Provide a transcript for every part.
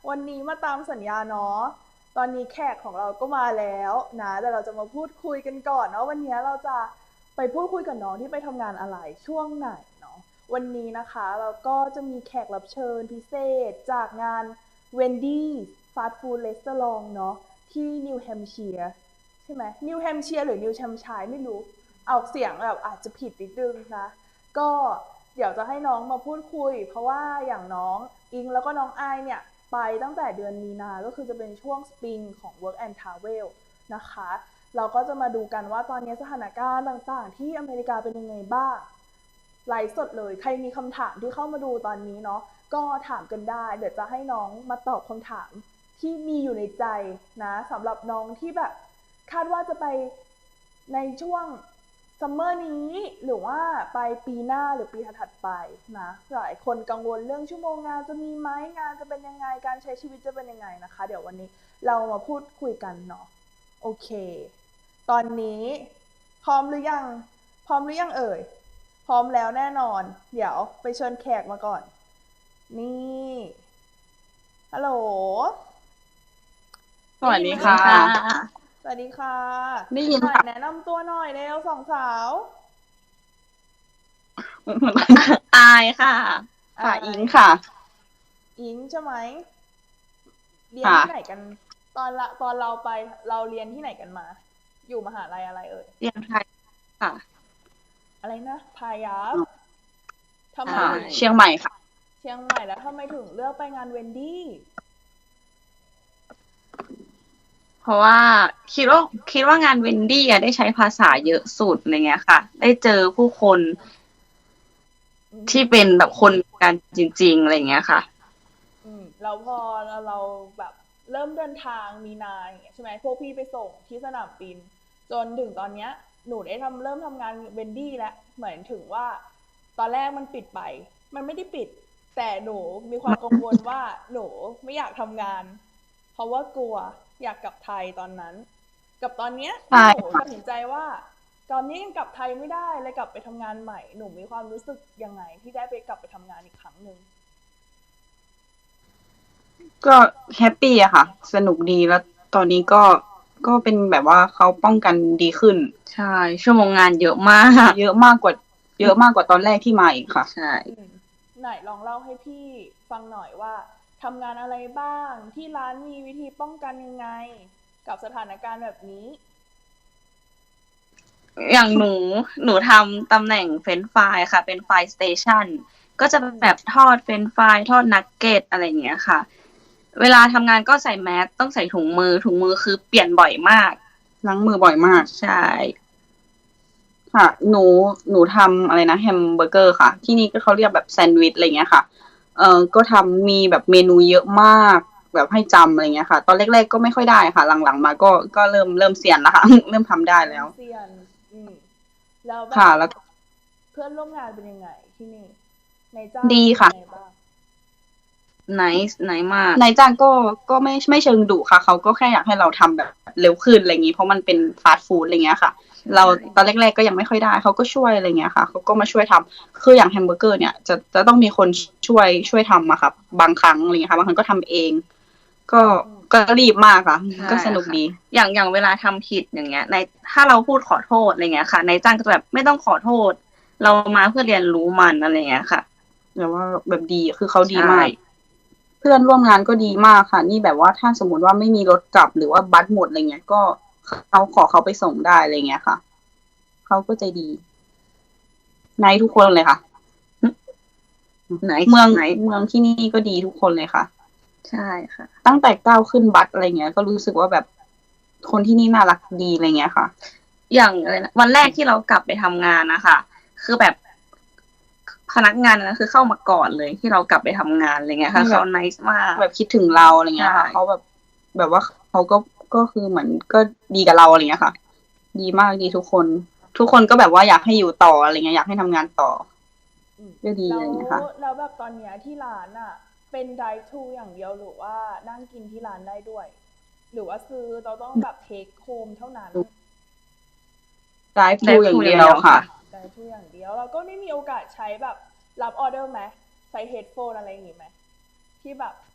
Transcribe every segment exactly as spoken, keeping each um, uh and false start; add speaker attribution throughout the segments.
Speaker 1: วันนี้มาตามสัญญาเนาะตอนนี้แขกของเราก็มาแล้วนะแต่เราจะมาพูดคุยกันก่อนเนาะวันนี้เราจะไปพูดคุยกับน้องที่ไปทำงานอะไรช่วงไหนเนาะวันนี้นะคะเราก็จะมีแขกรับเชิญพิเศษจากงาน Wendy's Fast Food Restaurant เนาะที่นิวแฮมป์เชียร์ใช่ไหมนิวแฮมป์เชียร์หรือนิวแฮมป์ไชร์ไม่รู้เอาเสียงแบบอาจจะผิดนิดนึงนะก็เดี๋ยวจะให้น้องมาพูดคุยเพราะว่าอย่างน้องอิงแล้วก็น้องอายเนี่ย ไปตั้งแต่เดือนมีนาก็คือจะเป็นช่วงสปริงของ Work and Travel นะคะเราก็จะมาดูกันว่าตอนนี้สถานการณ์ต่างๆที่อเมริกาเป็นยังไงบ้างไลฟ์สดเลยใครมีคำถามที่เข้ามาดูตอนนี้เนาะก็ถามกันได้เดี๋ยวจะให้น้องมาตอบคำถามที่มีอยู่ในใจนะสำหรับน้องที่แบบคาดว่าจะไปในช่วงซัมเมอร์นี้หรือว่าไปปีหน้าหรือปีถัดๆไปนะหลายคนกังวลเรื่องชั่วโมงงานจะมีไหมงานจะเป็นยังไงการใช้ชีวิตจะเป็นยังไงนะคะเดี๋ยววันนี้เรามาพูดคุยกันเนาะโอเคตอนนี้พร้อมหรือยังพร้อมหรือยังเอ่ยพร้อมแล้วแน่นอนเดี๋ยวไปเชิญแขกมาก่อนนี่ฮัลโหล
Speaker 2: สวัส
Speaker 1: ได้ยินไหม
Speaker 2: ดีค่ะ
Speaker 1: เอ่ย
Speaker 2: ค่ะ
Speaker 1: สวัสดีค่ะ
Speaker 2: ได้ยิน
Speaker 1: หน่อย
Speaker 2: ค่ะ
Speaker 1: แนะนำตัวหน่อยเร็วสองสาว
Speaker 2: อายค่ะ
Speaker 1: อา
Speaker 2: ค่ะอิ
Speaker 1: ย
Speaker 2: งค่ะ
Speaker 1: อิงใช่ไหมเรียน
Speaker 2: ค่ะ
Speaker 1: ที่ไหนกันตอนละตอนเราไปเราเรียนที่ไหนกันมาอยู่มหาลัยอะไรเอ่ย
Speaker 2: เรียนไทยค่ะ
Speaker 1: อะไรนะพายัพทำไม
Speaker 2: ค่ะ
Speaker 1: ถึง
Speaker 2: เชียงใหม่ค่ะ
Speaker 1: เชียงใหม่แล้วทำไมถึงเลือกไปงานเวนดี้
Speaker 2: เพราะว่าคิดว่าคิดว่างานเวนดี้อะได้ใช้ภาษาเยอะสุดอะไรเงี้ยค่ะ ได้เจอผู้คน
Speaker 1: อืม
Speaker 2: ที่เป็นแบบคนกันจริงๆอะไรเงี้ยค่ะ
Speaker 1: อืมแล้วพอเราเราแบบเริ่มเดินทางมีนาอย่างเงี้ยใช่ไหมพวกพี่ไปส่งที่สนามบินจนถึงตอนเนี้ยหนูได้ทำเริ่มทำงานเวนดี้แล้วเหมือนถึงว่าตอนแรกมันปิดไปมันไม่ได้ปิดแต่หนูมีความกังวลว่าหนูไม่อยากทำงาน เพราะว่ากลัวอยากกลับไทยตอนนั้นกับตอนเนี้ยที่
Speaker 2: ใช่
Speaker 1: หนูตัด
Speaker 2: ค่ะ
Speaker 1: สินใจว่าตอนนี้ยังกลับไทยไม่ได้เลยกลับไปทำงานใหม่หนูมีความรู้สึกยังไงที่ได้ไปกลับไปทำงานอีกครั้งหนึ่ง
Speaker 2: ก็แฮปปี้อะค่ะสนุกดีแล้วตอนนี้ก็ก็เป็นแบบว่าเขาป้องกันดีขึ้นใช่ชั่วโมงงานเยอะมากเยอะมากกว่าเยอะมากกว่าตอนแรกที่มาอีกค่ะใช่
Speaker 1: อืมไหนลองเล่าให้พี่ฟังหน่อยว่าทำงานอะไรบ้างที่ร้านมีวิธีป้องกันยังไงกับสถานการณ์แบบนี้
Speaker 2: อย่างหนูหนูทำตำแหน่งเฟรนช์ฟรายค่ะเป็นไฟสเตชันก็จะ
Speaker 1: อืม
Speaker 2: แบบทอดเฟรนช์ฟรายทอดนักเก็ตอะไรอย่างเงี้ยค่ะเวลาทำงานก็ใส่แมสต้องใส่ถุงมือถุงมือคือเปลี่ยนบ่อยมากล้างมือบ่อยมากใช่ค่ะหนูหนูทำอะไรนะแฮมเบอร์เกอร์ค่ะที่นี่ก็เขาเรียกแบบแซนด์วิชอะไรเงี้ยค่ะเออก็ทำมีแบบเมนูเยอะมากแบบให้จำอะไรเงี้ยค่ะตอนแรกๆก็ไม่ค่อยได้ค่ะหลังๆมาก็ก็เริ่มเริ่มเซียนแล้วค่ะเริ่มทำได้
Speaker 1: เริ่
Speaker 2: แล้ว
Speaker 1: มเซียนอืมแล้วแบบ
Speaker 2: ค่ะแล้ว
Speaker 1: เพื่อนร่วมงานเป็นยังไงที่นี่ในจ้าง
Speaker 2: ดี
Speaker 1: เป็นยั
Speaker 2: ค่ะ
Speaker 1: งไงบ้าง
Speaker 2: ไนซ์ไนซ์มากนายจ้างก็ก็ไม่ไม่เชิงดุค่ะเขาก็แค่อยากให้เราทำแบบเร็วขึ้นอะไรอย่างนี้เพราะมันเป็นฟาสต์ฟู้ดอะไรเงี้ยค่ะเราตอนแรกๆก็ยังไม่ค่อยได้เขาก็ช่วยอะไรเงี้ยค่ะเขาก็มาช่วยทำคืออย่างแฮมเบอร์เกอร์เนี่ยจะจะต้องมีคนช่วยช่วยทำอะค่ะบางครั้งอะไรเงี้ยค่ะบางครั้งก็ทำเองก็ก็รีบมากค่ะก็สนุกดีอย่างอย่างเวลาทำผิดอย่างเงี้ยในถ้าเราพูดขอโทษอะไรเงี้ยค่ะนายจ้างก็จะแบบไม่ต้องขอโทษเรามาเพื่อเรียนรู้มันอะไรเงี้ยค่ะแต่ว่าแบบดีคือเขาดีมาก เพื่อนร่วมงานก็ดีมากค่ะนี่แบบว่าถ้าสมมติว่าไม่มีรถกลับหรือว่าบัสหมดอะไรเงี้ยก็เขาขอเขาไปส่งได้อะไรเงี้ยค่ะเขาก็ใจดีในทุกคนเลยค่ะไหนเมืองไหนเมืองที่นี่ก็ดีทุกคนเลยค่ะใช่ค่ะตั้งแต่ก้าวขึ้นบัสอะไรเงี้ยก็รู้สึกว่าแบบคนที่นี่น่ารักดีอะไรเงี้ยค่ะอย่างอะไรนะวันแรกที่เรากลับไปทำงานนะคะคือแบบพนักงานนะคือเข้ามาก่อนเลยที่เรากลับไปทำงานอะไรเงี้ยค่ะเขาไนซ์มากแบบคิดถึงเราอะไรเงี้ยค่ะเขาแบบแบบว่าเขาก็ก็คือเหมือนก็ดีกับเราอะไรเงี้ยค่ะดีมากดีทุกคนทุกคนก็แบบว่าอยากให้อยู่ต่ออะไรเงี้ยอยากให้ทำงานต่อ
Speaker 1: อืม
Speaker 2: ก็ดี
Speaker 1: แล้ว
Speaker 2: อะไรเงี้ยค่ะ
Speaker 1: แล้วแบบตอนเนี้ยที่ร้านอ่ะเป็น drive thru อย่างเดียวหรือว่านั่งกินที่ร้านได้ด้วยหรือว่าซื้อเราต้องแบบ take home เท่านั้น
Speaker 2: ไดฟ์ทูอย่างเดียวค่ะ
Speaker 1: drive thru อย่างเดียวเราก็ไม่มีโอกาสใช้แบบรับออเดอร์ไหมใช้ headphone อะไรอย่างงี้ไหมที่แบบ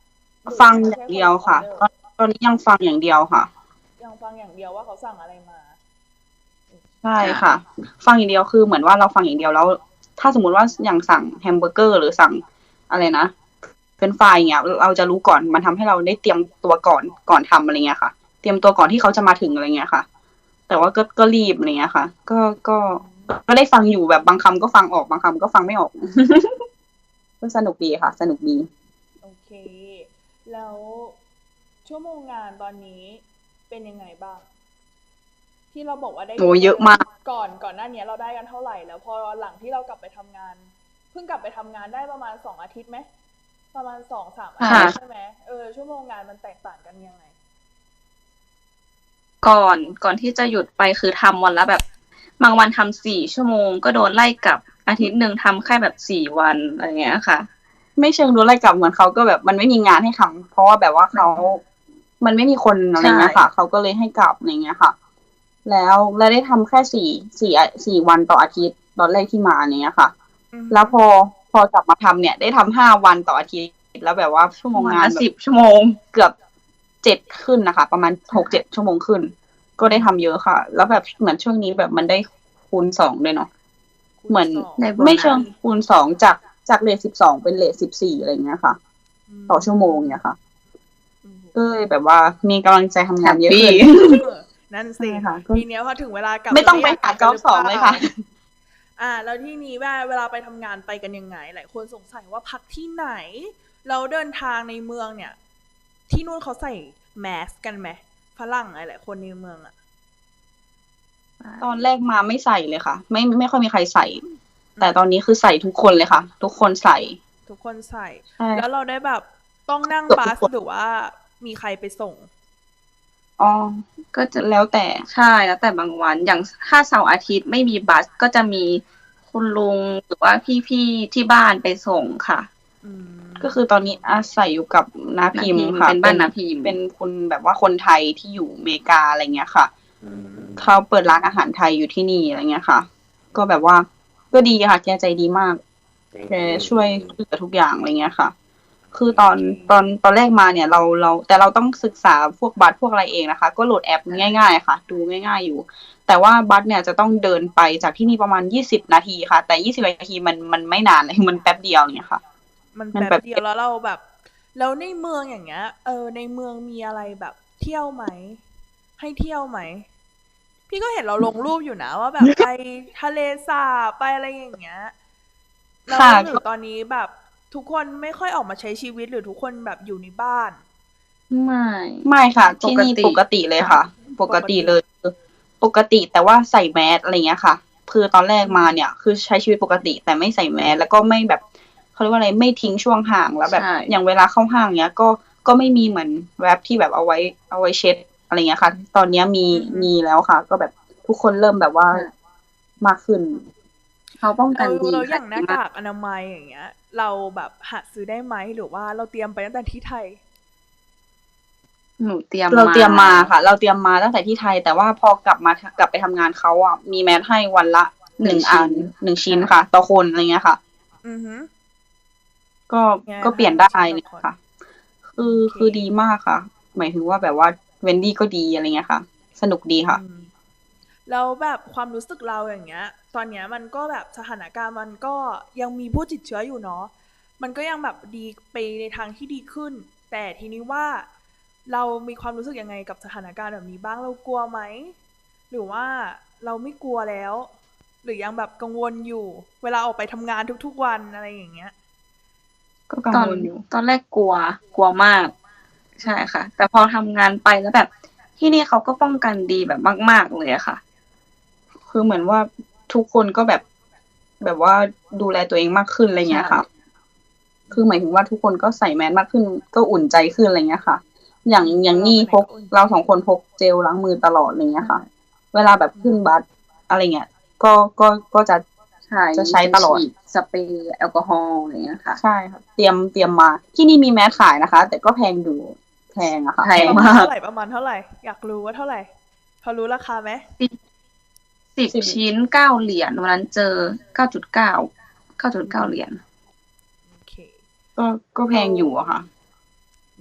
Speaker 1: หรือ
Speaker 2: ฟัง
Speaker 1: ไม่
Speaker 2: อย่า
Speaker 1: ใช่
Speaker 2: ง
Speaker 1: ค
Speaker 2: เดี
Speaker 1: น
Speaker 2: ยว
Speaker 1: รับออ
Speaker 2: ค่ะ
Speaker 1: เดอร์
Speaker 2: ตอน ตอนนี้ยังฟังอย่างเดียวค่ะ
Speaker 1: ยังฟังอย่างเดียวว่าเขาสั่งอะไรมา
Speaker 2: ใช่ค่ะ ฟังอย่างเดียวคือเหมือนว่าเราฟังอย่างเดียวแล้ว ถ้าสมมุติว่าอย่างสั่งแฮมเบอร์เกอร์ หรือสั่งอะไรนะ เฟรนช์ฟราย อย่างเงี้ย เราจะรู้ก่อน มันทำให้เราได้เตรียมตัวก่อน ก่อนทำ อะไรเงี้ยค่ะ เตรียมตัวก่อนที่เขาจะมาถึง อะไรเงี้ยค่ะ แต่ว่าก็ ก็รีบ อะไรเงี้ยค่ะ ก็ ก็ ก็ได้ฟังอยู่แบบบางคำก็ฟังออก บางคำก็ฟังไม่ออก ก็สนุกดีค่ะ สนุกดี
Speaker 1: โอเค แล้วชั่วโมงงานตอนนี้เป็นยังไงบ้าง? ที่เราบอกว่าได้
Speaker 2: โอ้ เยอะมาก
Speaker 1: ก่อน ก่อนหน้าเนี้ยเราได้กันเท่าไร? แล้วพอหลังที่เรากลับไปทำงาน เพิ่งกลับไปทำงานได้ประมาณ สอง อาทิตย์ไหม? ประมาณ สองสาม อา
Speaker 2: ค่
Speaker 1: ทิต
Speaker 2: ะ
Speaker 1: ย์ ใช่ไหม? เออ ชั่วโมงงานมันแตกต่างกันยังไง?
Speaker 3: ก่อน ก่อนที่จะหยุดไปคือทำวันละแบบ บางวันทำ สี่ ชั่วโมง ก็โดนไล่กลับ อาทิตย์หนึ่งทำแค่แบบ สี่ วัน อะไรเงี้ยค่ะ
Speaker 2: ไม่เชิงโดนไล่กลับ เหมือนเขาก็แบบมันไม่มีงานให้ทำ เพราะว่าแบบว่าเขา มันไม่มีคน อะไรเงี้ยค่ะ เขาก็เลยให้กลับ อะไรเงี้ยค่ะ แล้ว แล้วได้ทำแค่ สี่ สี่ อา สี่ วันต่ออาทิตย์ ตอนแรกที่มา อย่างเงี้ยค่ะ
Speaker 1: อือฮึ
Speaker 2: แล้วพอ พอกลับมาทำเนี่ย ได้ทำ ห้า วันต่ออาทิตย์ แล้วแบบว่าชั่วโมง
Speaker 3: วัน
Speaker 2: งาน
Speaker 3: ละ
Speaker 2: แบ
Speaker 3: สิบ
Speaker 2: บ
Speaker 3: ชั่วโมง
Speaker 2: เกือบ เจ็ด ขึ้นน่ะค่ะ ประมาณ หกเจ็ด ชั่วโมงขึ้น ก็ได้ทำเยอะค่ะ แล้วแบบเหมือนช่วงนี้แบบมันได้คูณ สอง ด้วยเนาะ
Speaker 1: คูณ
Speaker 2: เหมือน
Speaker 1: สอง
Speaker 3: ได้โบ
Speaker 2: ไม่เช
Speaker 3: นิ
Speaker 2: ง
Speaker 3: ัส
Speaker 2: คูณ สอง จาก จากเรต สิบสอง เป็นเรต สิบสี่ อะไรเงี้ยค่ะ
Speaker 1: อืม
Speaker 2: ต่อชั่วโมง เงี้ยค่ะ
Speaker 1: อือฮึ
Speaker 2: ก็เลยแบบว่ามีกำลังใจทำงานเยอะ
Speaker 3: แฮปปี
Speaker 2: ขึ้น
Speaker 1: เออ นั่น
Speaker 2: ใช่
Speaker 1: สิ
Speaker 2: ค่ะ ก็
Speaker 1: ทีเนี้ยพอถึงเวลากลับ
Speaker 2: ไม่ต้องไป
Speaker 1: จะ
Speaker 2: หา
Speaker 1: ยก
Speaker 2: จ็อบ
Speaker 1: หรื
Speaker 2: สอง
Speaker 1: ป
Speaker 2: เลยค่ะ
Speaker 1: อ่า แล้วทีนี้ว่าเวลาไปทำงานไปกันยังไง? หลายคนสงสัยว่าพักที่ไหน? แล้วเดินทางในเมืองเนี่ย ที่นู่นเขาใส่ mask กันไหม? ฝรั่งหลาย ๆ คนในเมืองอะ
Speaker 2: ตอนแรกมาไม่ใส่เลยค่ะ ไม่ ไม่ค่อยมีใครใส่
Speaker 1: อื
Speaker 2: แต่ตอน
Speaker 1: ม
Speaker 2: นี้คือใส่ทุกคนเลยค่ะ ทุกคนใส่
Speaker 1: ทุกคนใส่
Speaker 2: ใช่
Speaker 1: แล้วเราได้แบบต้องนั่ง
Speaker 2: เกือบ
Speaker 1: บัส
Speaker 2: ทุกคน
Speaker 1: หรือว่ามีใครไปส่ง?
Speaker 2: อ๋อ ก็จะแล้วแต่
Speaker 3: ใช่ แล้วแต่บางวัน อย่าง ส ถ้าเสาร์อาทิตย์ไม่มีบัส ก็จะมีคุณลุง หรือว่าพี่ ๆ ที่บ้านไปส่งค่ะ
Speaker 1: อืม
Speaker 2: ก็คือตอนนี้อาศัยอยู่กับน้า
Speaker 3: น้า
Speaker 2: พิม
Speaker 3: พิม
Speaker 2: ค่ะ
Speaker 3: เป็นบ้านน้าพิม
Speaker 2: เป็นคนแบบว่าคนไทยที่อยู่อเมริกา อะไรเงี้ยค่ะ
Speaker 1: อืม
Speaker 2: เขาเปิดร้านอาหารไทยอยู่ที่นี่ อะไรเงี้ยค่ะ ก็แบบว่า ก็ดีค่ะ แกใจดีมาก แกช่วยเหลือทุกอย่าง อะไรเงี้ยค่ะ คือตอน
Speaker 1: โอเค
Speaker 2: ตอน ตอนแรกมาเนี่ย เรา เรา แต่เราต้องศึกษาพวกบัส พวกอะไรเองนะคะ ก็โหลดแอปง่าย ๆ ค่ะ ดูง่าย ๆ อยู่ แต่ว่าบัสเนี่ยจะต้องเดินไปจากที่นี่ประมาณ ยี่สิบ นาทีค่ะ แต่ ยี่สิบ นาทีมัน มันไม่นานเลย มันแป๊บเดียว อย่างเงี้ยค่ะ
Speaker 1: มัน
Speaker 2: มัน
Speaker 1: แป๊บ
Speaker 2: แบบ
Speaker 1: เดียว แล้วเราแบบ แล้วในเมืองอย่างเงี้ย เออ ในเมืองมีอะไรแบบเที่ยวไหม? ให้เที่ยวไหม? พี่ก็เห็นเราลงรูปอยู่นะว่า แบบไปทะเลสาบ ไปอะไรอย่างเงี้ย แล้ว
Speaker 2: ค่ะ
Speaker 1: หรื
Speaker 2: ก็
Speaker 1: อตอนนี้แบบทุกคนไม่ค่อยออกมาใช้ชีวิต หรือทุกคนแบบอยู่ในบ้าน?
Speaker 3: ไม่
Speaker 2: ไม่ค่ะ
Speaker 3: ป
Speaker 2: ที่
Speaker 3: ก
Speaker 2: นี่
Speaker 3: ติ
Speaker 2: ปกติเลยค่ะ ปกติเลย คือปกติ แต่ว่าใส่ mask อะไรเงี้ยค่ะ คือตอนแรกมาเนี่ย คือใช้ชีวิตปกติ แต่ไม่ใส่ mask แล้วก็ไม่แบบ เขาเรียกว่าอะไร ไม่ทิ้งช่วงห่าง แล้วแบบ
Speaker 3: ใช่
Speaker 2: อย่างเวลาเข้าห้าง เงี้ย ก็ ก็ไม่มีเหมือน wrap ที่แบบเอาไว้ เอาไว้เช็ด อะไรเงี้ยค่ะ ตอนเนี้ยมี
Speaker 1: อือฮึ
Speaker 2: มีแล้วค่ะ ก็แบบทุกคนเริ่มแบบว่า
Speaker 3: ใช่
Speaker 2: มากขึ้น
Speaker 3: เขาป้อง
Speaker 1: แ
Speaker 3: ก
Speaker 1: ลั้ว
Speaker 3: นดี
Speaker 1: แล้วอ
Speaker 3: ค่ะ
Speaker 1: ย่างห
Speaker 3: ด
Speaker 1: น้า
Speaker 3: ีม
Speaker 1: ก
Speaker 3: าก
Speaker 1: ากอนามัย อย่างเงี้ย เราแบบหาซื้อได้ไหม? หรือว่าเราเตรียมไปตั้งแต่ที่ไทย?
Speaker 3: หนูเตรียม
Speaker 2: เรา
Speaker 3: มา
Speaker 2: เตรียมมาค่ะ เราเตรียมมาตั้งแต่ที่ไทย แต่ว่าพอกลับมา ท กลับไปทำงาน เขาอะมี mask ให้วันละ ห
Speaker 3: หนึ่
Speaker 2: นึ่ง
Speaker 3: ง
Speaker 2: อั
Speaker 3: ชิ้
Speaker 2: น
Speaker 3: น
Speaker 2: หนึ่ง ชิ้น
Speaker 3: ใช่
Speaker 2: ค่ะ ต่อคน อะไรเงี้ยค่ะ
Speaker 1: อือฮึ
Speaker 2: ก็
Speaker 1: ไง
Speaker 2: ก็เปลี่ยน
Speaker 1: ให้
Speaker 2: ได้
Speaker 1: ชิ้น
Speaker 2: เ
Speaker 1: ต่
Speaker 2: ล
Speaker 1: อย คน
Speaker 2: ค่ะ คือ
Speaker 1: โอเค
Speaker 2: คือดีมากค่ะ หมายถึงว่าแบบว่า Wendy ก็ดี อะไรเงี้ยค่ะ สนุกดีค่ะ
Speaker 1: อืม แล้วแบบความรู้สึกเรา อย่างเงี้ย ตอนเนี้ยมันก็แบบสถานการณ์มันก็ยังมีผู้ติดเชื้ออยู่เนาะ มันก็ยังแบบดี ไปในทางที่ดีขึ้น แต่ทีนี้ว่า เรามีความรู้สึกยังไงกับสถานการณ์แบบนี้บ้าง? เรากลัวไหม? หรือว่าเราไม่กลัวแล้ว? หรือยังแบบกังวลอยู่ เวลาออกไปทำงานทุก ๆ วัน อะไรอย่างเงี้ย
Speaker 2: ก็กัง
Speaker 3: ตอน
Speaker 2: วลอยู่
Speaker 3: ตอนแรกกลัว กลัวมาก ใช่ค่ะ แต่พอทำงานไปแล้วแบบ ที่นี่เขาก็ป้องกันดีแบบมาก ๆ เลยอะค่ะ
Speaker 2: คือเหมือนว่าทุกคนก็แบบ แบบว่าดูแลตัวเองมากขึ้น อะไร
Speaker 3: ใช
Speaker 2: เงี้ยค่ะ คือหมายถึงว่าทุกคนก็ใส่ mask มากขึ้น ก็อุ่นใจขึ้น อะไรเงี้ยค่ะ อย่าง
Speaker 1: อืม
Speaker 2: อย่าง
Speaker 1: เรา
Speaker 2: นี่
Speaker 1: ไปไหน
Speaker 2: พก
Speaker 1: ก็อุ่น
Speaker 2: เรา สอง คนพกเจลล้างมือตลอด อะไรเงี้ยค่ะ
Speaker 3: ใช่
Speaker 2: เวลาแบบขึ้นบัส อะไรเงี้ย ก็ ก็ ก็จะ
Speaker 3: ใช่
Speaker 2: จะใช้ตลอด
Speaker 3: ฉีดสเปรย์แอลกอฮอล์ อะไรเงี้ยค่ะ
Speaker 2: ใช่ค่ะ เตรียม เตรียมมา ที่นี่มี mask ขายนะคะ แต่ก็แพงอยู่ แพงอะค่ะ
Speaker 3: แพง
Speaker 1: ประมาณ
Speaker 3: มา
Speaker 1: เท่าก ไหร่? ประมาณเท่าไร? อยากรู้ว่าเท่าไร? พอรู้ราคาไหม?
Speaker 3: สิบ สิบ
Speaker 2: สิบ
Speaker 3: ชิ้น เก้า เหรียญ วันนั้นเจอ เก้าจุดเก้า เก้าจุดเก้า เหรียญ
Speaker 1: โอเค
Speaker 2: ก็ ก็แพงอยู่อะค่ะ
Speaker 1: อ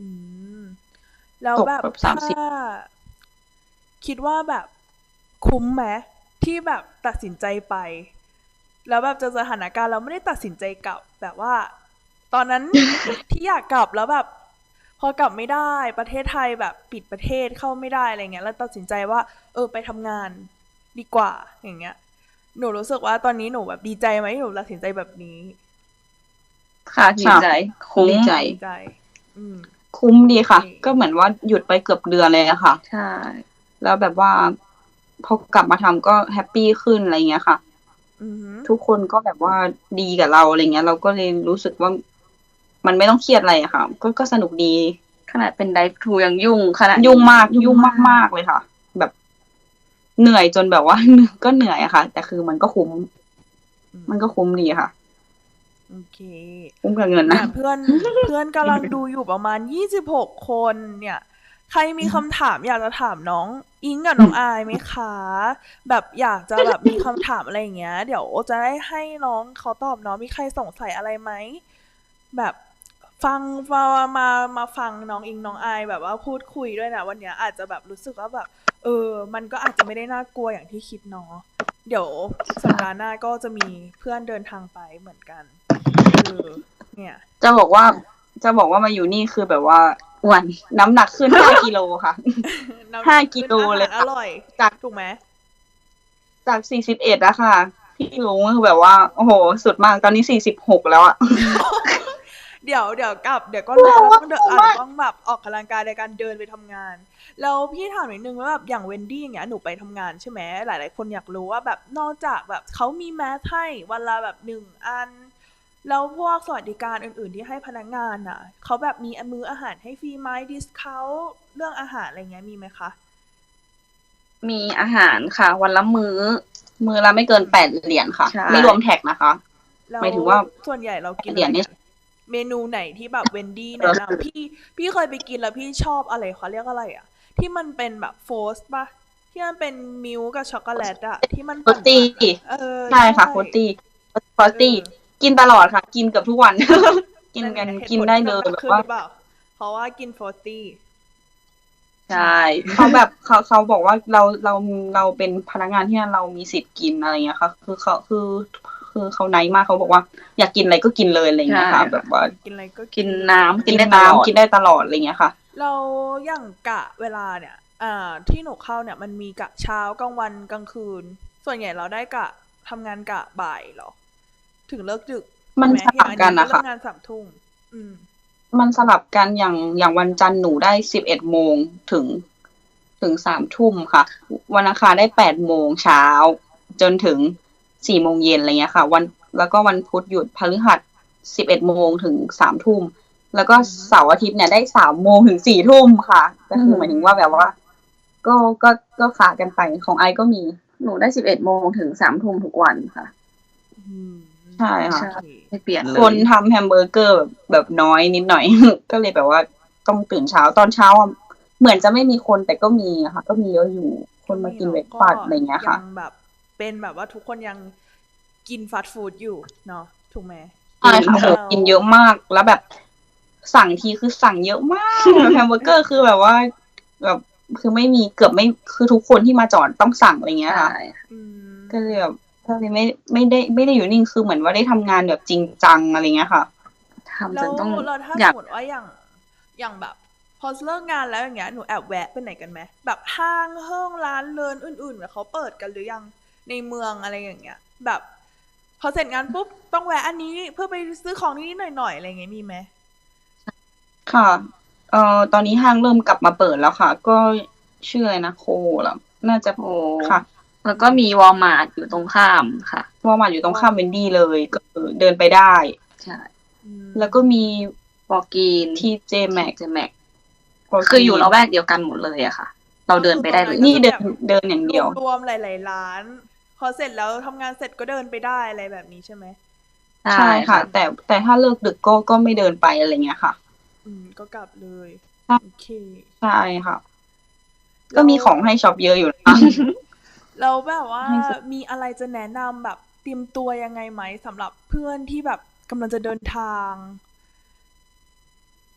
Speaker 1: อืมแล้ว
Speaker 2: ตก
Speaker 1: แบบ
Speaker 2: แบบสาม
Speaker 1: ถ้า
Speaker 2: สิบ
Speaker 1: คิดว่าแบบคุ้มไหมที่แบบตัดสินใจไปแล้วแบบเจอสถานการณ์เราไม่ได้ตัดสินใจกลับแบบว่าตอนนั้นที่อยากกลับแล้วแบบพอกลับไม่ได้ประเทศไทยแบบปิดประเทศเข้าไม่ได้อะไรเงี้ยแล้วตัดสินใจว่าเออไปทำงานดีกว่าอย่างเงี้ยหนูรู้สึกว่าตอนนี้หนูแบบดีใจไหมที่หนูตัดสินใจแบบนี้
Speaker 3: ค่ะดี
Speaker 2: ค่ะ
Speaker 3: ใจคุ้ม
Speaker 2: ดีใจ
Speaker 1: ดีใจอืม
Speaker 2: คุ้ม
Speaker 1: โอเค
Speaker 2: ดีค่ะ ก็เหมือนว่าหยุดไปเกือบเดือนเลยอะค่ะ
Speaker 3: ใช่
Speaker 2: แล้วแบบว่าพอกลับมาทำก็แฮปปี้ขึ้นอะไรเงี้ยค่ะ
Speaker 1: อือหือ
Speaker 2: ทุกคนก็แบบว่าดีกับเราอะไรเงี้ยเราก็เลยรู้สึกว่ามันไม่ต้องเครียดอะไรอะค่ะก็ก็สนุกดี
Speaker 3: ขนาดเป็นไดฟ์ทูยังยุ่งขนาด
Speaker 2: ยุ่ง
Speaker 3: นี้
Speaker 2: มากยุ่งมากๆเลยค่ะ แบบเหนื่อยจนแบบว่า ก็เหนื่อยอะค่ะ แต่คือมันก็คุ้ม
Speaker 1: อื
Speaker 2: มันก็คุ้มดีค่ะ
Speaker 1: โอเค
Speaker 2: คุ้มกับเงินนะ
Speaker 1: เนี่ยเพื่อนเพื่อนกำลังดูอยู่ประมาณยี่สิบหกคนเนี่ยใครมีคำถามอยากจะถามน้องอิงกับน้องอายไหมคะแบบอยากจะแบบมีคำถามอะไรอย่างเงี้ยเดี๋ยวจะได้ให้น้องเขาตอบเนาะมีใครสงสัยอะไรไหมแบบฟังมามามาฟังน้องอิงน้องอายแบบว่าพูดคุยด้วยนะวันเนี้ยอาจจะแบบรู้สึกว่าแบบเออมันก็อาจจะไม่ได้น่ากลัวอย่างที่คิดเนาะเดี๋ยวสัปดาห์หน้าก็จะมีเพื่อนเดินทางไปเหมือนกันเออเนี่ย
Speaker 2: จะบอกว่าจะบอกว่ามาอยู่นี่คือแบบว่า
Speaker 3: อ้วน
Speaker 2: น้ำหนักขึ้นห้ากิโลค่ะ
Speaker 1: น้ำห
Speaker 2: ห้า
Speaker 1: นัก
Speaker 2: กิโล
Speaker 1: ขึ้นอาหา
Speaker 2: เลยค่ะ
Speaker 1: รอร่อย
Speaker 2: จาก
Speaker 1: ถูกไหม
Speaker 2: จากสี่สิบเอ็ดอะค่ะพี่ลุงก็คือแบบว่าโอ้โหสุดมากตอนนี้สี่สิบหกแล้วอะ
Speaker 1: เดี๋ยวเดี๋ยวกลับเดี๋ยวก็ล
Speaker 2: แต่ว่า
Speaker 1: ดแล้วต้องเดิน
Speaker 2: คุ้มมาก
Speaker 1: อาจจะต้องแบบออกกำลังกายในการเดินไปทำงานแล้วพี่ถามนิดนึงว่าแบบอย่างเวนดี้อย่างเงี้ยหนูไปทำงานใช่ไหมหลายๆคนอยากรู้ว่าแบบนอกจากแบบเขามีแมสให้วันละแบบหนึ่งอันแล้วพวกสวัสดิการอื่นๆที่ให้พนักงานอ่ะเขาแบบมีมื้ออาหารให้ฟรีไหมดิสคาวเรื่องอาหารอะไรเงี้ยมีไหมคะ
Speaker 3: มีอาหารค่ะวันละมื้อ
Speaker 2: มือละไม่เกิน
Speaker 1: อืม
Speaker 2: แปดเหรียญค่ะ
Speaker 3: ใช่
Speaker 2: ไม่รวมแท็กนะคะ
Speaker 1: แล้ว
Speaker 2: หมายถึงว่า
Speaker 1: ส่วนใหญ่เรา
Speaker 2: แป
Speaker 1: กิน
Speaker 2: ดเหรียญนี่
Speaker 1: อะไรกัน เมนูไหนที่แบบเวนดี้แนะนำพี่พี่เคยไปกินแล้วพี่ชอบอะไรเขาเรียกอะไรอ่ะที่มันเป็นแบบโฟสต์ป่ะที่มันเป็นมิลค์กับช็อกโกแลตอะที่มันปั
Speaker 2: โรตี้
Speaker 1: ่นๆอะเออ
Speaker 2: ใช่
Speaker 1: ใช่
Speaker 2: ค่ะโรตี้โร
Speaker 1: เอ
Speaker 2: ตี้
Speaker 1: อ
Speaker 2: กินตลอดค่ะกินเกือบทุกวัน กิน
Speaker 1: นั่น
Speaker 2: กัน
Speaker 1: ไงเหตุ
Speaker 2: กินได้
Speaker 1: ผลที่น้ำหนัก
Speaker 2: เลยแบบว่า
Speaker 1: ขึ้นหรือเปล่าเพราะว่ากินโฟสตี้
Speaker 3: ใช
Speaker 1: อืม่
Speaker 2: เขาแบบเขาเขาบอกว่าเราเราเราเป็นพนักงานที่นั่นเรามีสิทธิ์กินอะไรเงี้ยค่ะคือเขาคือคือเขาไนท์มากเขาบอกว่าอยากกินอะไรก็กินเลยอะไรเงี้
Speaker 3: ใช่
Speaker 2: ยค่ะแบ
Speaker 3: ค่ะ
Speaker 2: บว่า
Speaker 1: กินอะไรก็
Speaker 3: กิน
Speaker 1: กินเล
Speaker 3: น้ำกิ
Speaker 1: ย
Speaker 3: น
Speaker 2: กิน
Speaker 3: ได้ตลอด
Speaker 2: น้ำกินได้ตลอดอะไรเงี้ยค่ะ
Speaker 1: เราอย่างกะเวลาเนี่ยอ่าที่หนูเข้าเนี่ยมันมีกะเช้ากลางวันกลางคืนส่วนใหญ่เราได้กะทำงานกะบ่ายเหรอถึงเลิกดึก
Speaker 2: มัน
Speaker 1: ใช่ไหม
Speaker 2: สลับ
Speaker 1: อย่างอันนี้ก็
Speaker 2: กันนะคะ
Speaker 1: เลิกงานสามทุ่มอืม
Speaker 2: มันสลับกันอย่างอย่างวันจันทร์หนูได้สิบเอ็ดโมงถึงถึงสามทุ่มค่ะวันอังคารได้แปดโมงเช้าจนถึงสี่โมงเย็นอะไรเงี้ยค่ะวันแล้วก็วันพุธหยุดพฤหัสสิบเอ็ดโมงถึงสามทุ่มแล้วก็
Speaker 1: อือฮึ
Speaker 2: เสาร์อาทิตย์เนี่ยได้สามโมงถึงสี่ทุ่มค่ะก็คือหมาย
Speaker 1: อื
Speaker 2: ถึงว่าแบบว่า
Speaker 1: ม
Speaker 2: ก็ก็ก็ขากันไปของไอก็มี
Speaker 3: หนูได้สิบเอ็ดโมงถึงสามทุ่มทุกวันค่ะ
Speaker 1: อืม
Speaker 2: ใช่
Speaker 1: โอ
Speaker 2: ค่ะ
Speaker 3: ใช่
Speaker 1: เค
Speaker 3: ไม่เปลี่ยน
Speaker 2: ค
Speaker 3: เลย
Speaker 2: นทำแฮมเบอร์เกอร์แบบแบบน้อยนิดหน่อย ก็เลยแบบว่าต้องตื่นเช้าตอนเช้าอะเหมือนจะไม่มีคนแต่ก็มีอะค่ะก็มีเยอะอยู่ค
Speaker 1: ก็
Speaker 2: นมากิน
Speaker 1: มีเนาะก็
Speaker 2: เบรกฟาสต์อะไรเงี้ยค่ะ
Speaker 1: ยังแบบเป็นแบบว่าทุกคนยังกินฟาสต์ฟู้ดอยู่เนาะถูกไหม
Speaker 2: ใช่ค่ะโห
Speaker 1: แล้ว
Speaker 2: กินเยอะมากแล้วแบบสั่งทีคือสั่งเยอะมากแฮมเบอร์เกอร์คือแบบว่าแบบคือไม่มีเกือบไม่คือทุกคนที่มาจอดต้องสั่งอะไรเงี้ย
Speaker 3: ใช่
Speaker 2: ค่ะ
Speaker 1: อื
Speaker 2: ก็เลย
Speaker 1: ม
Speaker 2: แบบก็เลยไม่ไม่ได้ไม่ได้อยู่นิ่งคือเหมือนว่าได้ทำงานแบบจริงจังอะไรเงี้ยค่ะ
Speaker 3: ทำจ
Speaker 1: แล้ว
Speaker 3: นต้อง
Speaker 1: เราถ้า
Speaker 3: อยาก
Speaker 1: สมมติว่าอย่างอย่างแบบพอเลิกงานแล้วอย่างเงี้ยหนูแอบแวะไปไหนกันไหมแบบห้างเฮิ่งร้านเลินอื่นๆแบบเขาเปิดกันหรือยังในเมืองอะไรอย่างเงี้ยแบบพอเสร็จงานปุ๊บต้องแวะอันนี้เพื่อไปซื้อของนิดๆหน่อยๆอะไรเงี้ยมีไหม
Speaker 2: ค่ะเอ่อตอนนี้ห้างเริ่มกลับมาเปิดแล้วค่ะ ก็ชื่ออะไรนะโคเหรอน่าจะ
Speaker 3: โอ้
Speaker 2: ค่ะ
Speaker 3: แล้ว
Speaker 1: อืม
Speaker 3: ก็มีวอลมาร์ทอยู่ตรงข้ามค่ะ
Speaker 2: วอลมาร์ทอยู่ตรง
Speaker 1: วอ
Speaker 2: ข้ามเวนดี้เลยก็คือเดินไปได้
Speaker 3: ใช่
Speaker 1: อื
Speaker 2: แล้วก็มี
Speaker 1: ม
Speaker 3: วอลกีน
Speaker 2: ที เจ
Speaker 3: ที
Speaker 2: Maxx
Speaker 3: เจแม็ก
Speaker 2: โปร
Speaker 3: คืออยู่
Speaker 2: ตีน
Speaker 3: ละแวกเดียวกันหมดเลยอะค่ะ เรา
Speaker 1: ก็
Speaker 3: เดินไปได้เลย
Speaker 1: คือตรงนั้นก็
Speaker 2: นี่เดิน
Speaker 1: จะแบบ
Speaker 2: เดินอย่างเดียว
Speaker 1: รวมๆหลายๆร้านพอเสร็จแล้วทำงานเสร็จก็เดินไปได้อะไรแบบนี้ใช่ไหม
Speaker 3: ใช่
Speaker 2: ใช่ค่ะ
Speaker 3: ค่ะ
Speaker 2: แต่แต่ถ้าเลิกดึกก็ก็ไม่เดินไปอะไรเงี้ยค่ะ
Speaker 1: อืมก็กลับเลย
Speaker 2: ใช่
Speaker 1: โอเค
Speaker 2: ใช่ค่ะ ก็
Speaker 1: แล้ว
Speaker 2: มีของให้ช็อปเยอะอยู่นะ
Speaker 1: เราแบบว่า
Speaker 2: ให้ซื้อ
Speaker 1: มีอะไรจะแนะนำแบบเตรียมตัวยังไงไหมสำหรับเพื่อนที่แบบกำลังจะเดินทาง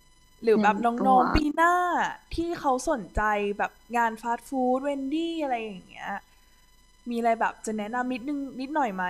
Speaker 1: หรือแบบ
Speaker 3: เตรียมตั
Speaker 1: น้อ
Speaker 3: ว
Speaker 1: งๆปีหน้าที่เขาสนใจแบบงานฟาสต์ฟู้ดเวนดี้อะไรอย่างเงี้ย มีอะไรแบบจะแนะนำนิดนึงนิดหน่อยไหม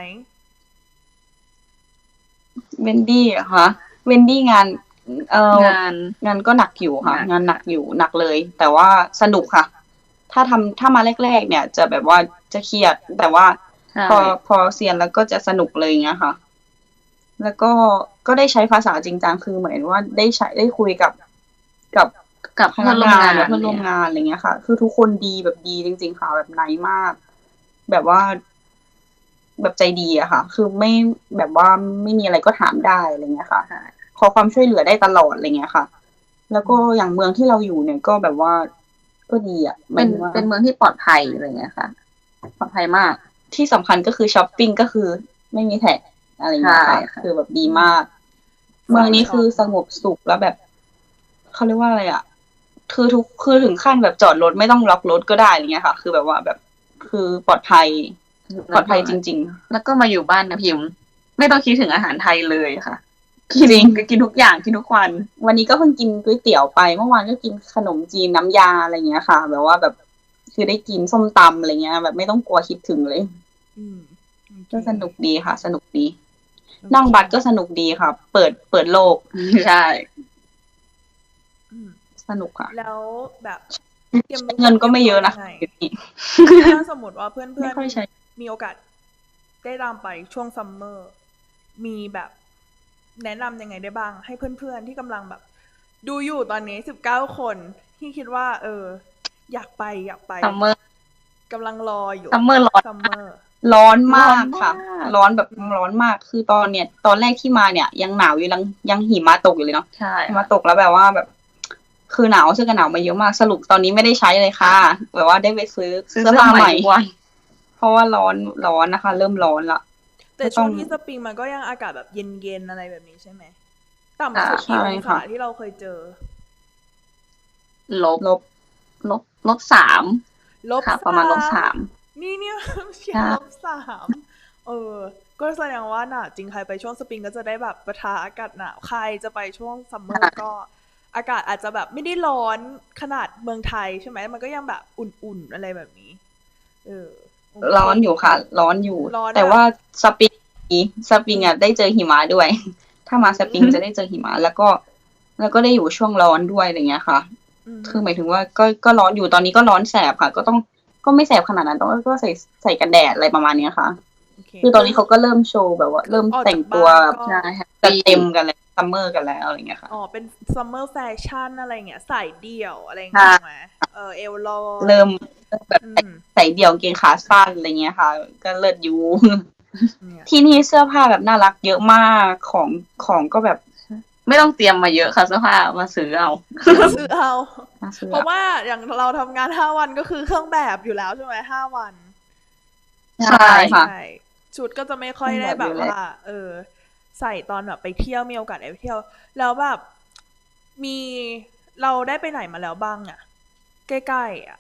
Speaker 2: เวนดี้เหรอคะเวนดี้งาน เอ่อง
Speaker 3: าน
Speaker 2: งานก็หนักอยู่
Speaker 3: ห
Speaker 2: ค่ะ
Speaker 3: นัก
Speaker 2: งานหนักอยู่หนักเลย แต่ว่าสนุกค่ะ ถ้าทำถ้ามาแรก ๆ เนี่ย จะแบบว่าจะเครียด แต่ว่า
Speaker 3: ใช่
Speaker 2: พอพอเซียนแล้วก็จะสนุกเลยอย่างเงี้ยค่ะ แล้วก็ก็ได้ใช้ภาษาจริงจังคือเหมือนว่าได้ใช้ได้คุยกับ กับ
Speaker 3: กับ
Speaker 2: พ
Speaker 3: เพื่
Speaker 2: นั
Speaker 3: อน
Speaker 2: ก
Speaker 3: ร่วม
Speaker 2: งาน
Speaker 3: งาน
Speaker 2: กับเพื่อนร่วม
Speaker 3: เนี่ย
Speaker 2: งาน อะไรเงี้ยค่ะ คือทุกคนดีแบบดีจริง ๆ ค่ะ แบบ nice มาก แบบว่า แบบใจดีอะค่ะ คือไม่ แบบว่าไม่มีอะไรก็ถามได้ อะไรเงี้ยค่ะ
Speaker 3: ใช่
Speaker 2: ขอความช่วยเหลือได้ตลอด อะไรเงี้ยค่ะ แล้ว
Speaker 1: อื
Speaker 2: ก็
Speaker 1: ม
Speaker 2: อย่างเมืองที่เราอยู่เนี่ยก็แบบว่า ก็ดีอะ ห
Speaker 3: เ
Speaker 2: ม
Speaker 3: ป
Speaker 2: า
Speaker 3: ็
Speaker 2: ย
Speaker 3: น
Speaker 2: ถึงว่า
Speaker 3: เป็นเมืองที่ปลอดภัย อะไรเงี้ยค่ะ ปลอดภัยมาก
Speaker 2: ที่สำคัญก็คือชอปปิง ก็คือไม่มี tax อะไร
Speaker 3: ใช
Speaker 2: เงี้ยค่ะ
Speaker 3: ค่ะ
Speaker 2: คือแบบดี
Speaker 1: อืม
Speaker 2: มาก เมื
Speaker 1: สา
Speaker 2: อง
Speaker 1: ย
Speaker 2: นี้
Speaker 1: ช
Speaker 2: คือ
Speaker 1: อป
Speaker 2: ส
Speaker 1: เนาะ
Speaker 2: งบสุข แล้วแบบ เขาเรียกว่าอะไรอะ คือทุก คือถึงขั้นแบบจอดรถไม่ต้องล็อกรถก็ได้ อะไรเงี้ยค่ะ คือแบบว่าแบบ คือปลอดภัย
Speaker 3: แล
Speaker 2: ปล้อด
Speaker 3: ว
Speaker 2: ภ
Speaker 3: กั็
Speaker 2: ยจริง ๆ
Speaker 3: แล้วก็มาอยู่บ้านนะพิมพ์ ไม่ต้องคิดถึงอาหารไทยเลยค่ะ กิน
Speaker 2: จริง
Speaker 3: ก็กินทุกอย่าง กินทุกวัน
Speaker 2: วันนี้ก็เพิ่งกินก๋วยเตี๋ยวไป เมื่อวานก็กินขนมจีนน้ำยา อะไรเงี้ยค่ะ แบบว่าแบบ คือได้กินส้มตำ อะไรเงี้ย แบบไม่ต้องกลัวคิดถึงเลย
Speaker 1: อืม โอเค
Speaker 2: ก็สนุกดีค่ะ สนุกดี
Speaker 1: โอ
Speaker 2: นั่ง
Speaker 1: เค
Speaker 2: บัสก็สนุกดีค่ะ เปิด เปิดโลก
Speaker 3: ใช่
Speaker 1: อืม
Speaker 2: สนุกค่ะ
Speaker 1: แล้วแบบเตรียม
Speaker 2: ใช้เงินก็ไม่เยอะนะ
Speaker 1: เตรียมตัวยังไง?
Speaker 2: เดี๋ยวนี้
Speaker 1: ถ้าสมมุติว่าเพื่
Speaker 2: ไม่
Speaker 1: อน
Speaker 2: ค่อยใช้
Speaker 1: ๆ มีโอกาสได้ตามไปช่วง Summer มีแบบแนะนำยังไงได้บ้าง? ให้เพื่อน ๆ ที่กำลังแบบดูอยู่ตอนนี้ สิบเก้า คน ที่คิดว่า เออ อยากไป อยากไป
Speaker 3: Summer
Speaker 1: กำลังรออยู่
Speaker 3: Summer ร้อนมาก
Speaker 1: Summer
Speaker 2: ร้อน
Speaker 3: ร้
Speaker 2: มา
Speaker 3: อน
Speaker 2: ก
Speaker 3: ม
Speaker 2: ค่ะ
Speaker 3: าก
Speaker 2: ร้อนแบบ
Speaker 1: อืม
Speaker 2: ร้อนมาก คือตอนเนี่ย ตอนแรกที่มาเนี่ยยังหนาวอยู่ ยัง ยังหิมะตกอยู่เลยเนาะ
Speaker 3: ใช่
Speaker 2: หิ
Speaker 3: ค
Speaker 2: มะตกแล้วแบบว่าแบบ คือหนาว เสื้อกันหนาวมาเยอะมาก สรุปตอนนี้ไม่ได้ใช้เลยค่ะ แบบว่าได้ไปซื้อ
Speaker 3: ซื้อ
Speaker 2: เสื้อ
Speaker 3: เสื้อ
Speaker 2: ผ้า
Speaker 3: ให
Speaker 2: ให
Speaker 3: ม่
Speaker 2: ม่
Speaker 3: ทุกวัน
Speaker 2: เพราะว่าร้อน ร้อนนะคะ เริ่มร้อนแล้ว
Speaker 1: แต่
Speaker 2: ก็
Speaker 1: ช
Speaker 2: ต่
Speaker 1: ่
Speaker 2: ้
Speaker 1: ว
Speaker 2: อง
Speaker 1: งที่สปริงมันก็ยังอากาศแบบเย็น ๆ อะไรแบบนี้ใช่ไหม? ต่
Speaker 3: ค่
Speaker 1: ำสุด
Speaker 3: ะ
Speaker 2: ใช
Speaker 1: กี่
Speaker 2: ่
Speaker 1: องศ
Speaker 2: ค่
Speaker 1: า
Speaker 2: ะ
Speaker 1: ที่เราเคยเจอ?
Speaker 3: ลบ
Speaker 2: ลบ
Speaker 3: ลบ ลบ สาม
Speaker 1: ลบ
Speaker 3: ค่ะ
Speaker 1: ส
Speaker 3: ประมาณ ลบ สาม
Speaker 1: นี่ เนี่ย เชี
Speaker 3: ใ
Speaker 1: ย
Speaker 3: ช
Speaker 1: ร์
Speaker 3: ่
Speaker 1: ลบ สาม เออ ก็แสดงว่าหนาวจริง ใครไปช่วงสปริงก็จะได้แบบปะทะอากาศหนาว ใครจะไปช่วง
Speaker 3: ใช
Speaker 1: Summer
Speaker 3: ่
Speaker 1: ก็อากาศอาจจะแบบไม่ได้ร้อนขนาดเมืองไทยใช่ไหม? มันก็ยังแบบอุ่น ๆ อะไรแบบนี้ เออ โอเค
Speaker 2: ร้อนอยู่ค่ะ ร้อนอยู่
Speaker 1: ร้อน
Speaker 2: แต่
Speaker 1: แบบ
Speaker 2: ว่าสปริง ดี สปร
Speaker 1: อิื
Speaker 2: ง
Speaker 1: ม
Speaker 2: อะได้เจอหิมะด้วย ถ้ามาสปริงจะ
Speaker 1: อืม
Speaker 2: ได้เจอหิมะ แล้วก็ แล้วก็ได้อยู่ช่วงร้อนด้วย อะไรเงี้ยค่ะ
Speaker 1: อือฮ
Speaker 2: คึือหมายถึงว่าก็ ก็ร้อนอยู่ ตอนนี้ก็ร้อนแสบค่ะ ก็ต้อง ก็ไม่แสบขนาดนั้น แต่ว่าก็ใส่ ใส่กันแดด อะไรประมาณเนี้ยค่ะ
Speaker 1: โอเค
Speaker 2: คือต
Speaker 1: ค
Speaker 2: อนื
Speaker 1: อ
Speaker 2: นี้เขาก็เริ่มโชว์แบบว่า
Speaker 1: ค
Speaker 2: เรืิ่
Speaker 1: อ
Speaker 2: ม
Speaker 1: ออก
Speaker 2: แต่
Speaker 1: จา
Speaker 2: ง
Speaker 1: ก
Speaker 2: ต
Speaker 1: บั้
Speaker 2: ว
Speaker 1: าน
Speaker 2: แบบ
Speaker 1: ก็
Speaker 3: ใช่ แฮป
Speaker 2: จั
Speaker 3: ป
Speaker 2: ดีเต็มกันแล้ว Summer กันแล้ว อะไรเงี้ยค่ะ
Speaker 1: อ๋อ เป็น Summer แฟชั่น อะไรอย่างเงี้ย สายเดี่ยว อะไรอย่าง
Speaker 2: ใช
Speaker 1: งี้
Speaker 2: ่
Speaker 1: ถูกไหม? เออ เอวลอ
Speaker 2: เร
Speaker 1: ย
Speaker 2: ิ่ม เริ่มแบบ
Speaker 1: อื
Speaker 2: ใส่
Speaker 1: ม
Speaker 2: ใส่เดี่ยวกางเกงขาสั้น อะไรเงี้ยค่ะ ก็เลิศอยู่
Speaker 1: เนี่ย
Speaker 2: ที่นี่เสื้อผ้าแบบน่ารักเยอะมาก ของ ของก็แบบ
Speaker 3: ใช่ ไม่ต้องเตรียมมาเยอะค่ะ เสื้อผ้า มาซื้อเอา
Speaker 1: มาซื้อเอา
Speaker 2: น่าซื้อ
Speaker 1: เพรา
Speaker 2: อ
Speaker 1: ะ
Speaker 2: ะ
Speaker 1: ว่าอย่างเราทำงาน ห้า วัน ก็คือเครื่องแบบอยู่แล้วใช่ไหม? ห้า วัน
Speaker 2: ใช่ค่ะ
Speaker 1: ใช่ ชุดก็จะไม่ค่อย
Speaker 2: เครื่อง
Speaker 1: ได้
Speaker 2: แบบ
Speaker 1: แบ
Speaker 2: อยู่แล
Speaker 1: บว่า
Speaker 2: ้ว
Speaker 1: เออ ใส่ตอนแบบไปเที่ยว มีโอกาสได้ไปเที่ยว แล้วแบบ มี เราได้ไปไหนมาแล้วบ้างอะ? ใกล้ ๆ อะ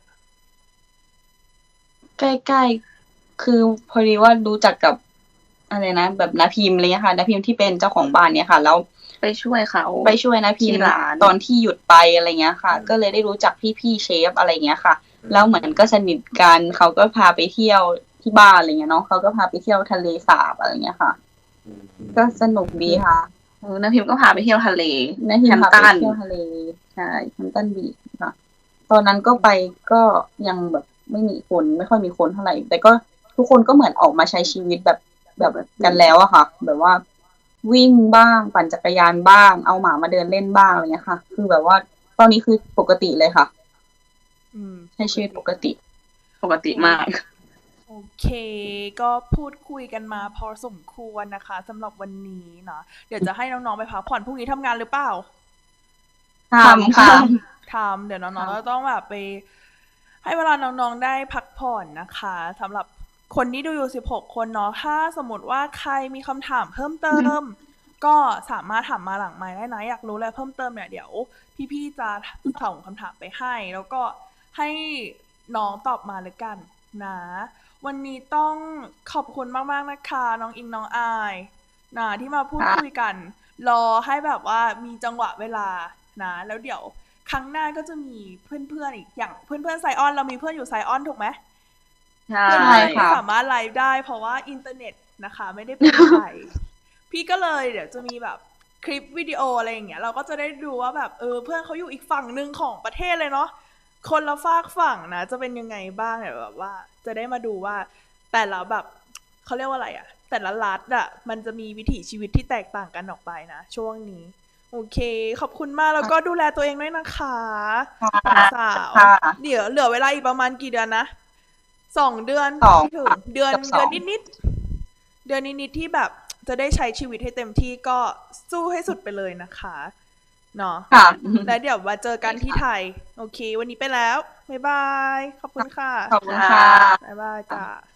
Speaker 2: ใกล้ ๆ คือพอดีว่ารู้จักกับ อะไรนะ แบบน้าพิมพ์ อะไรเงี้ยค่ะ น้าพิมพ์ที่เป็นเจ้าของบ้านเนี่ยค่ะ แล้ว
Speaker 3: ไปช่วยเขา
Speaker 2: ไปช่วยน้า
Speaker 3: ท
Speaker 2: พิ
Speaker 3: ี่
Speaker 2: มพ์
Speaker 3: ร้าน
Speaker 2: ตอนที่หยุดไป อะไรเงี้ยค่ะ
Speaker 1: อืม
Speaker 2: ก็เลยได้รู้จักพี่ ๆ เชฟ อะไรเงี้ยค่ะ
Speaker 1: อื
Speaker 2: แล้วเหมือนก็
Speaker 1: ม
Speaker 2: สนิทกัน เขาก็พาไปเที่ยวที่บ้าน อะไรเงี้ยเนาะ เขาก็พาไปเที่ยวทะเลสาบ อะไรเงี้ยค่ะ
Speaker 1: อื
Speaker 2: ก็ส
Speaker 1: ม
Speaker 2: นุกดีค่ะ
Speaker 3: เออ น้าพิมพ์ก็พาไปเที่ยวทะเล
Speaker 2: น้าพิมพ์พาไป
Speaker 3: Hampton
Speaker 2: เที่ยวทะเล ใช่ Hampton Beach ค่ะ ตอนนั้นก็ไป ก็ยังแบบไม่มีคน ไม่ค่อยมีคนเท่าไร แต่ก็ทุกคนก็เหมือนออกมาใช้ชีวิตแบบ แบบกันแล้วอะค่ะ แบบว่าวิ่งบ้าง ปั่นจักรยานบ้าง เอาหมามาเดินเล่นบ้าง อะไรเงี้ยค่ะ คือแบบว่าตอนนี้คือปกติเลยค่ะ
Speaker 1: อืม
Speaker 2: ใช้ชีวิตปกติ
Speaker 3: ปกติมาก
Speaker 1: โอเค ก็พูดคุยกันมาพอสมควรนะคะสำหรับวันนี้เนาะ เดี๋ยวจะให้น้อง ๆ ไปพักผ่อน พรุ่งนี้ทำงานหรือเปล่า?
Speaker 2: ทำ ค่ะ
Speaker 1: ทำ เดี๋ยวน้อง ๆ
Speaker 2: ทำ
Speaker 1: ก็ต้องแบบไป ให้เวลาน้อง ๆ ได้พักผ่อนนะคะสำหรับคนที่ดูอยู่ สิบหก คนเนาะ ถ้าสมมุติว่าใครมีคำถามเพิ่มเติม ก็สามารถถามมาหลังไมค์ได้นะ อยากรู้อะไรเพิ่มเติมเนี่ย เดี๋ยวพี่ ๆ จะส่งคำถามไปให้ แล้วก็ให้น้องตอบมาแล้วกันนะ วันนี้ต้องขอบคุณมาก ๆ นะคะ น้องอิง น้องอาย นะ ที่มาพูด
Speaker 2: ค่ะ
Speaker 1: คุยกัน รอให้แบบว่ามีจังหวะเวลานะแล้วเดี๋ยวครั้งหน้าก็จะมีเพื่อนๆอีกอย่างเพื่อนๆไซออนเรามีเพื่อนอยู่ไซออนถูกไหม
Speaker 3: ใช่
Speaker 1: เพื่อน
Speaker 2: ใช่
Speaker 1: ๆไม่
Speaker 2: ค่ะ
Speaker 1: สามารถไลฟ์ได้เพราะว่าอินเทอร์เน็ตนะคะไม่ได้เป็นไทย พี่ก็เลยเดี๋ยวจะมีแบบคลิปวิดีโออะไรอย่างเงี้ยเราก็จะได้ดูว่าแบบเออเพื่อนเขาอยู่อีกฝั่งหนึ่งของประเทศเลยเนาะคนละฝากฝั่งนะจะเป็นยังไงบ้างเนี่ยแบบว่า จะได้มาดูว่าแต่ละแบบเขาเรียกว่าอะไรอะแต่ละรัฐอะมันจะมีวิถีชีวิตที่แตกต่างกันออกไปนะช่วงนี้โอเคขอบคุณมากแล้วก็ดูแลตัวเองด้วยนะคะสาว
Speaker 2: ค่ะ
Speaker 1: เดี๋ยวเหลือเวลาอีกประมาณกี่เดือนนะสองเดือน
Speaker 2: สอง
Speaker 1: ไม่ถึงเดือน
Speaker 2: กับสอง
Speaker 1: เดือนนิดๆเดือนนิดๆที่แบบจะได้ใช้ชีวิตให้เต็มที่ก็สู้ให้สุดไปเลยนะคะเนาะ
Speaker 2: ค่ะ
Speaker 1: แล้วเดี๋ยวมาเจอกันที่ไทยโอเค วันนี้ไปแล้วบ๊ายบายขอบคุณค่ะ
Speaker 2: ขอบคุณค่ะ
Speaker 1: บ๊ายบายจ้า